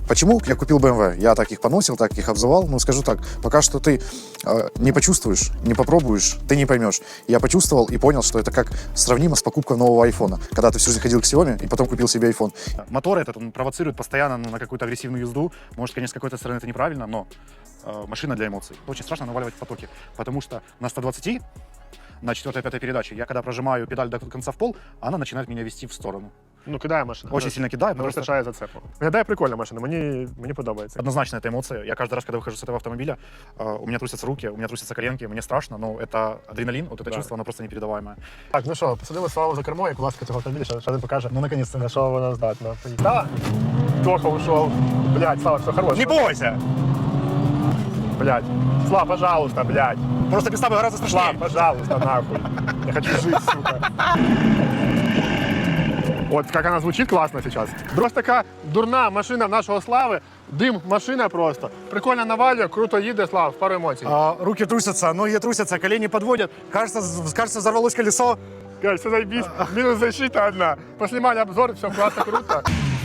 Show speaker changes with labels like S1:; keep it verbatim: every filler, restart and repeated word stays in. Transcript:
S1: Почему я купил бэ эм вэ? Я так их поносил, так их обзывал. Ну, скажу так, пока что ты э, не почувствуешь, не попробуешь, ты не поймешь. Я почувствовал и понял, что это как сравнимо с покупкой нового айфона. Когда ты всю жизнь ходил к Xiaomi и потом купил себе iPhone.
S2: Мотор этот, он провоцирует постоянно ну, на какую-то агрессивную езду. Может, конечно, с какой-то стороны это неправильно, но э, машина для эмоций. Очень страшно наваливать в потоке, потому что на ста двадцати, на четвёртой-пятой передаче, я когда прожимаю педаль до конца в пол, она начинает меня вести в сторону.
S3: Ну, кидає машина.
S2: Очень сильно кидаю,
S3: Не
S2: потому что
S3: вистачає зацепу. Виглядає прикольна машина, мені, мені подобається.
S2: однозначно это эмоция. Я каждый раз, когда выхожу с этого автомобиля, э, у меня трусятся руки, у меня трусятся коленки, мне страшно, но это адреналин, вот это
S3: Да.
S2: чувство, оно просто непередаваемое.
S3: Так, ну що, посадили Славу за кермо, як власка цього автомобіля, що, що він покаже,
S2: Ну, наконец-то.
S3: на що вона здатна. Поїхала? Тоха ушов. Блядь, Слава, все, хорош.
S2: Не бойся!
S3: Блядь. Слава, пожалуйста, блядь.
S2: Просто без тобой гораздо
S3: Слава,
S2: страшнее.
S3: пожалуйста, нахуй. Я хочу жить, сука. Вот как она звучит классно сейчас. Просто така дурна машина нашого Слави. Дим, машина просто. Прикольно навалює, круто їде, Слав, пару емоцій.
S2: А, руки трусятся, ноги трусятся, колени подводят. Кажется, з- кажется, взорвалось колесо.
S3: Короче, все заебись. Минус защита одна. Поснимали обзор, все классно, круто.